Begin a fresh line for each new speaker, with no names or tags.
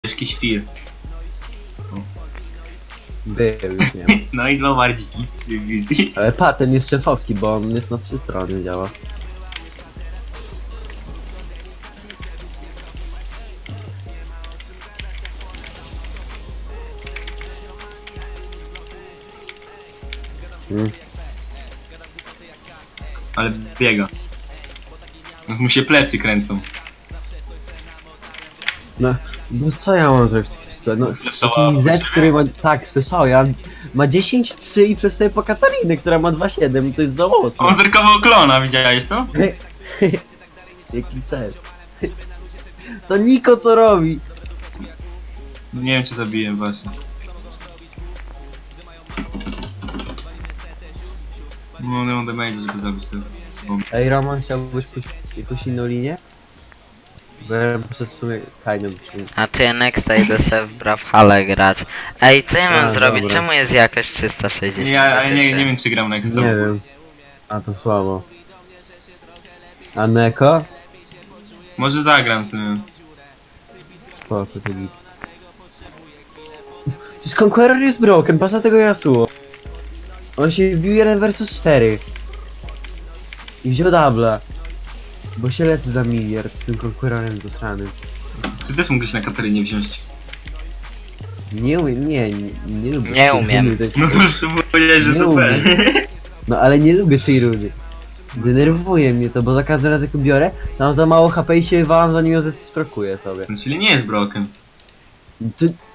Ciężki świr.
Był, już nie ma.
No i dwa bardziki z wizji.
Ale ten jest szefowski, bo on jest na 3 strony działa.
Ale biega. Mu się plecy kręcą.
No, bo co ja mam zrobić w takiej sytuacji? No,
Sfleszowała
taki
po
Z,
siebie?
który ma... Tak, słyszał, ja... Ma 10-3 i fleszuje po Katarinę, która ma 2,7 i to jest żałosne.
On zerkował klona, widziałeś to?
Jaki szef. To Niko co robi?
Nie wiem czy zabiję właśnie. No nie mam damage, żeby zabić to jest.
Ej, Roman, chciałbyś pójść jakąś inną linię? Bo ja poszedł w sumie kajnem.
A ty nexta idę sobie w Brawlhalla grać. Ej, co ja mam
A,
zrobić?
dobra.
Czemu jest jakaś 360?
Nie, ale nie wiem czy gram next.
Nie wiem. A to słabo. A Neko?
Może zagram tym.
Spoko, to git. Przecież Conqueror jest broken, patrz na tego Yasuo. On się wbił 1 versus 4. I wziął dubla. Bo się leczy za miliard z tym Conquerorem zasranym.
Ty też mógłbyś na Katarynie wziąć.
Nie umiem, nie lubię.
Nie
tej
umiem.
runy, tej-
No to już powiedziałeś, że
Nie
super.
umiem. No ale nie lubię tej runy. Denerwuje mnie to, bo za każdym razem jak ją biorę, to mam za mało HP i się walam zanim ją zesprokuje sobie.
Czyli nie jest broken.
To